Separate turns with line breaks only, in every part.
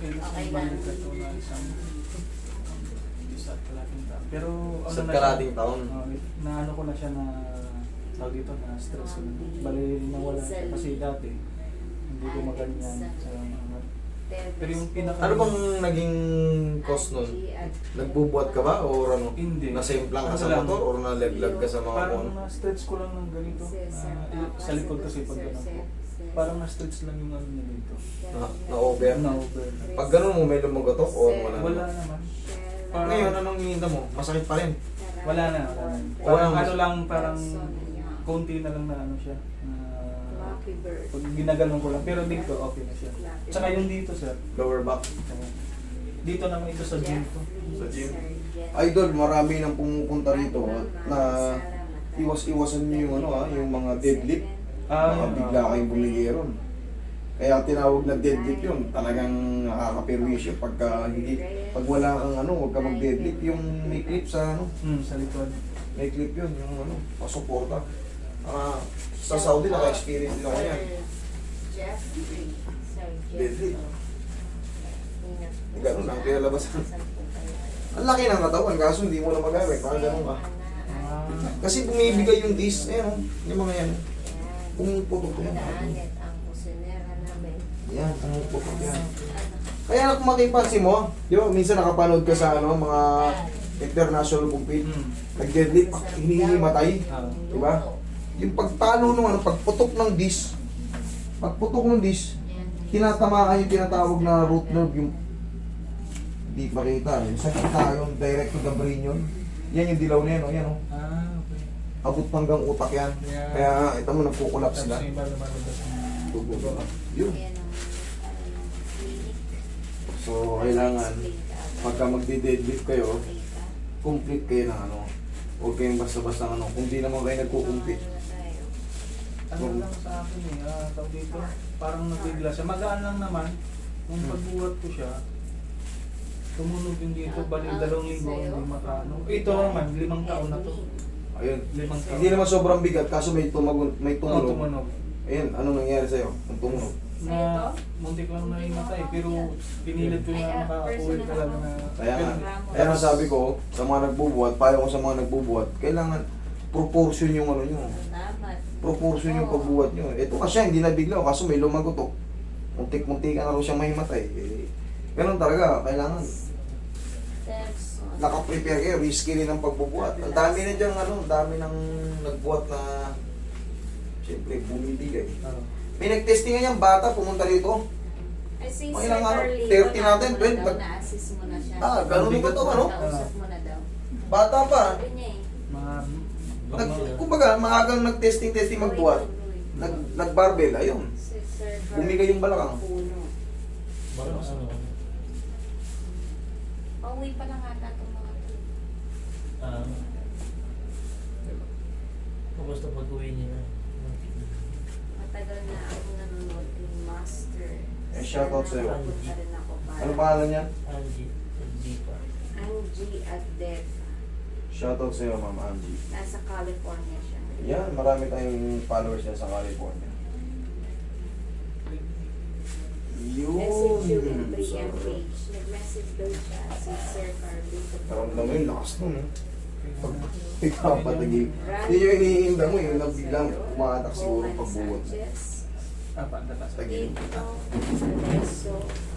okay na
Okay
sa
lang.
balik ito na isang isa't kalating taon. Pero ano
Sa
na
kalating taon.
na ano ko na siya na tawag dito na stress ko na. Bali nawala siya kasi dati hindi ko maganyan sa mga. Pero yung pinaka
Ano bang naging cause nun? Nagbubuhat ka ba? O ano?
Hindi.
Nasimplang ka
Ano
sa
lang?
motor? O nalaglag ka sa mga
Parang
kung?
na-stretch ko lang ng ganito. Sa likod kasi pag ganun ko. Parang na-stretch lang yung ano niya dito.
Na-over?
Na-over.
Pag ganun mo, may lumagotok o wala
Wala
naman?
naman.
Ngayon, anong hininta mo? Masakit pa rin.
Wala na. Parang
Walang-
ano lang, parang konti na lang na ano siya.
Happy birthday.
Pag ginaganon ko lang. Pero dito, okay na siya. Tsaka yung dito, sir.
Lower back.
Dito naman ito sa gym ko.
Sa gym. Idol, marami nang pumupunta rito na iwas-iwasan nyo yung ano yung mga deadlift. Baka bigla kayong bumigiron. Kaya tinawag na deadlift yun. Talagang nakaka-perwisyo pagka hindi, pag wala kang ano, huwag ka mag-deadlift. Yung may clip sa ano,
Sa likod.
may clip yun, yung ano, pasuporta. Sa Saudi, naka-experience din ako yan. Deadlift. Ganun lang, pinalabasan. Ang laki ng katawan, kaso hindi mo na magamit. Parang ganun ka. Kasi bumibigay yung disc, ayan o, yung mga yan. Pumuputok yan. Yan, pumuputok yan. Kaya kung makipansin mo, di ba, minsan nakapanood ka sa ano, mga international compete, nag-deadlift, hinihimatay, di ba? Yung pagtalo nung ano, pagputok ng disc, tinatamaan yung tinatawag na root nerve, yung di makita, yung sa kita, yung direct to the brain yun. Yan yung dilaw na yan, o yan o.
Okay.
Abot hanggang utak yan.
Yeah.
Kaya ito mo, nagkukulap sila.
Tapos yung iba lumalabas ng
Yun. So, kailangan, pagka magdi-deadlift kayo, complete kayo ng ano. Huwag kayong basta-basta ano. Kung di naman kayo nagkukumpit.
ano lang sa akin tawag dito, parang nabigla siya. Magaan lang naman. Nung pagbuhat ko siya, tumunog yung dito, bali 2 linggo, hindi makaano. Ito naman, 5 taon na to.
Ayun.
5 taon.
Hindi naman sobrang bigat, kaso may tumunog.
Tumunog.
Ayun, anong nangyari sa'yo? Ang tumunog.
Na muntik lang na imatay, pero pinilit ko na makaka-uwi talaga na.
Kaya nga sabi ko, sa mga nagbubuhat, payo ko sa mga nagbubuhat, kailangan proportion yung ano nyo. Proportion yung pagbuhat nyo. Ito kasi hindi nabigla, kaso may lumagotok. Muntik-muntik ka na rin siyang mahimatay. Ganun talaga, kailangan nakaprepare kayo, risky rin ang pagbubuhat. Ang dami na dyan, ang dami nang nagbuhat na siyempre bumibigay. May nag-testing nga yung bata, pumunta rito. Mga ilang ano, 30 natin, 20.
Na-assist mo na siya.
Ganun ba ito, ano?
Kausap mo na daw.
Bata pa.
Sabi niya eh.
Kumbaga, maagang nag-testing magbuhat. Nag-barbell, ayun. Bumigay yung balakang.
Pauwi pa lang ata itong mga to.
Kumusta pag-uwi niya na?
Matagal na ako nanonood yung Master.
Shoutout sa'yo.
Napunta rin ako para.
Ano pangalan niya?
Angie, hindi pa.
Angie Adeta.
Shoutout sa'yo, Ma'am Angie.
Nasa California siya.
Yan, marami tayong followers niya sa California.
Message you in
Yun.
pre-M page. Nag-message daw siya si Sir Carly.
Karamdam mo yung lakas nun, eh. Pag ikaw patigil. Yun yung iniinda mo, yung nabiglang umatak siguro pagbuhat mo.
Tatas.
Tagil.
Dito, Alesso,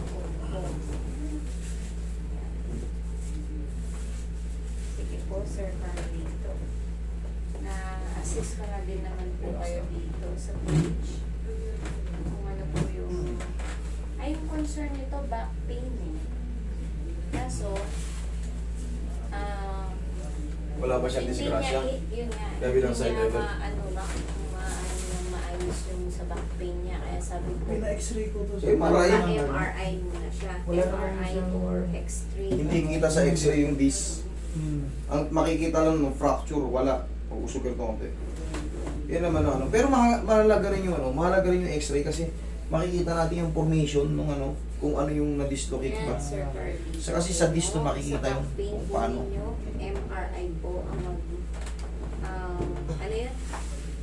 sige po, Sir Carlito. Na-assist ka na din naman po kayo dito sa page. Kung ano po yung... Ay, yung concern nito, back pain eh. Kaso,
Wala ba siyang disgrasya?
Yun nga.
Kabilang
Hindi
side
niya
level.
maayos yung sa back pain niya. Kaya sabi ko,
Pina-x-ray ko to
MRI?
MRI muna siya.
Wala naman
MRI
siyang-
or X-ray.
Hindi kita sa x-ray yung disc.
Hmm.
Ang makikita lang ng fracture, wala. Pag-usok ito konti. Yan naman ang ano. Pero mahalaga rin yung ano, mahalaga rin yung x-ray kasi makikita natin yung formation ng ano, kung ano yung na-dislocate ba.
Yes, Sir Carly.
Kasi sa disc to makikita yung
Sa back pain
kung
po
paano.
ninyo, MRI po ang mag... ano yun?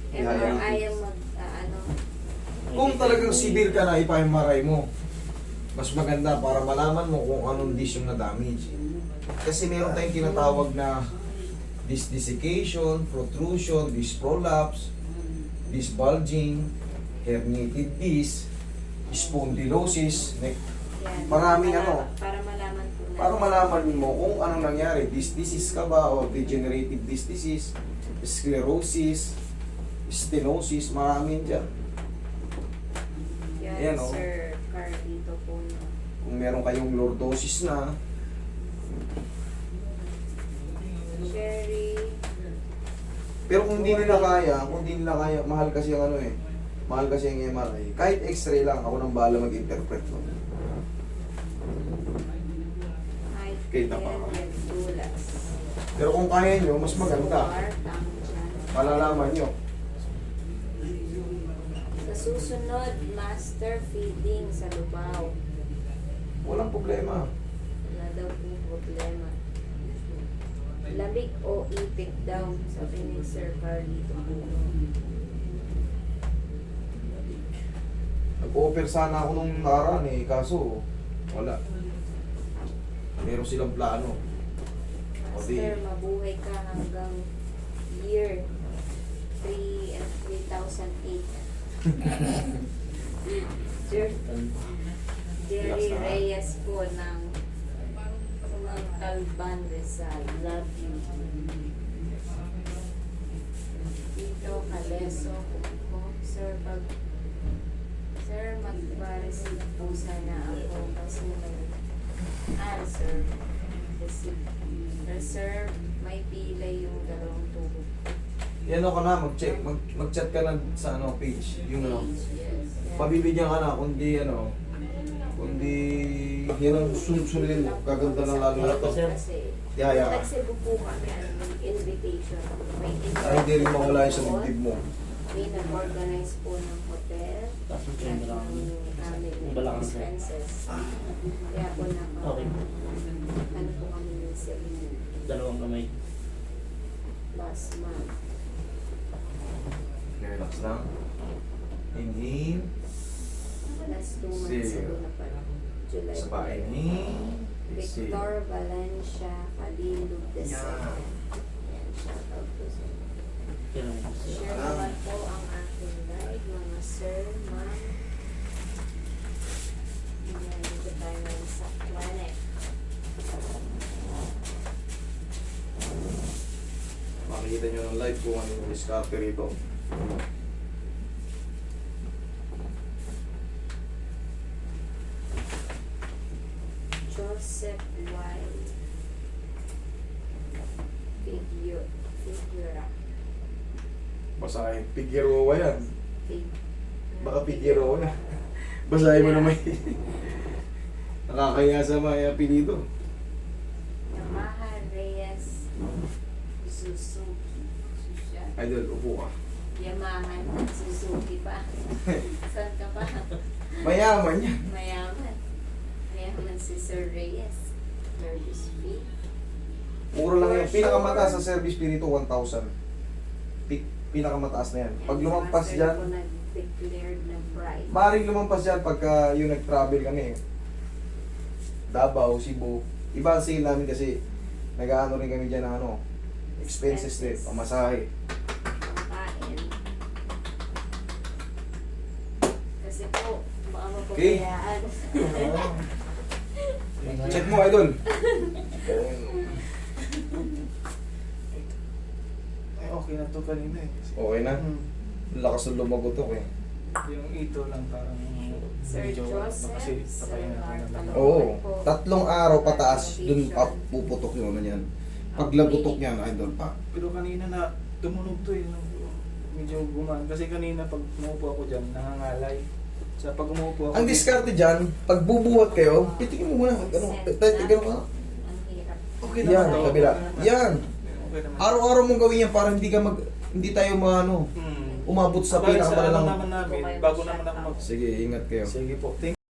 Yeah,
MRI ang mag... ano...
Kung talagang severe ka na, ipa-MRI mo. Mas maganda para malaman mo kung anong disc yung na-damage. Kasi meron tayong tinatawag na disc desiccation, protrusion, disc prolapse, disc bulging, herniated disc, spondylosis, neck.
Yan.
Maraming
Para malaman po natin.
para malaman mo kung anong nangyari. Disc disease ka ba o degenerative disc disease, sclerosis, stenosis, maraming dyan.
Yan,
Ayan, oh.
Sir Carlito po. No?
Kung meron kayong lordosis na,
Sherry.
pero kung hindi nila kaya, mahal kasi ang mahal kasi ang MRI. Kahit x-ray lang, ako nang bahala mag-interpret mo. Kita pa ka.
Dulas.
Pero kung kaya nyo, mas maganda. Malalaman nyo.
Sa susunod, master feeding sa lubaw.
Walang problema.
Wala daw pong problema. Lamig o ipit daw, sabi ni Sir Carlito Puno.
Nag-offer sana ako nung nakaraan kaso wala. Meron silang plano. O di,
Master, mabuhay ka hanggang year 3 and 3008. Jerry Reyes po ng Talban Rizal. Love you. Dito, Kaleso po. Sir, magpa-receive po sana ako kasi may answer. Sir, may pilay yung dalawang tubo.
yan ka na, mag-chat ka na sa page. Yung
Yes.
pabibigyan ka na, kundi kundi yan ang sunod-sunodin mo, gaganda ng lalo na to.
Kasi,
Yaya ka.
nagsibo po kami ng invitation. May
Ay, hindi rin mawala yung sa dibdib mo.
May nag-organize po ng hotel.
Tapos yung
Lahat
balakang.
ng aming
Yung balakang, sir.
expenses. Kaya po
Okay.
ano po kami ng Cebu
Dalawang kamay.
last month.
Relax lang. Inhale.
Last 2 months
Zero.
ago na pala. July.
Sa ba, inhale.
Victor Valencia Kalilog the
Yan.
second. Yan, shout out po sa
Kaya lang.
share naman po ang aking live, mga sir, ma'am. Yan, dito tayo ngayon sa planet.
Makikita nyo ng live kung ano yung diskarte rito.
Joseph Y. Figura.
Basahin. Figueroa yan.
Fig-
Baka Figueroa yan. Basahin mo naman. Nakakaya sa mga apelido.
Yamaha Reyes Suzuki.
Idol, upo ka.
Yamaha Suzuki pa. Saan ka pa?
Mayaman yan.
Mayaman. Mayaman si Sir Reyes. Service fee.
Mura lang yan. Pinakamataas sa service fee nito, 1,000. Pinakamataas na yan. Pag lumampas
Master
dyan,
ko nag-declared na bride.
maaaring lumampas dyan pagka yung nag-travel kami. Davao, Cebu. Iba ang sale namin kasi nag-ano rin kami dyan ng expenses din, pamasahe.
Pangkain. Kasi po, baka
Okay.
mapabayaan.
Check mo, idol.
Ay, okay na to kanina eh.
Okay na.
Hmm.
Lakas ng lumagotok eh.
Yung ito lang parang
Sir
medyo
Joseph,
kasi patay na ako na lang.
Oo. 3 araw pataas, dun puputok yung yan. Pag lagutok yan, idol pa.
Pero kanina na tumunog to eh. Medyo gumaan. Kasi kanina pag umupo ako dyan, nangangalay. Sa pag umupo ako...
Ang diskarte dyan, pag bubuhat kayo, pitikin mo muna. Ganun ka.
Ang hirap.
Okay
Yan,
naman to.
kabila. Yan.
Okay naman.
Araw-araw mong gawin yan para hindi tayo
Hmm.
umabot sa
Bali,
pinakamalalang.
ano naman namin, bago naman ako mag...
Sige, ingat kayo.
Sige po. Thank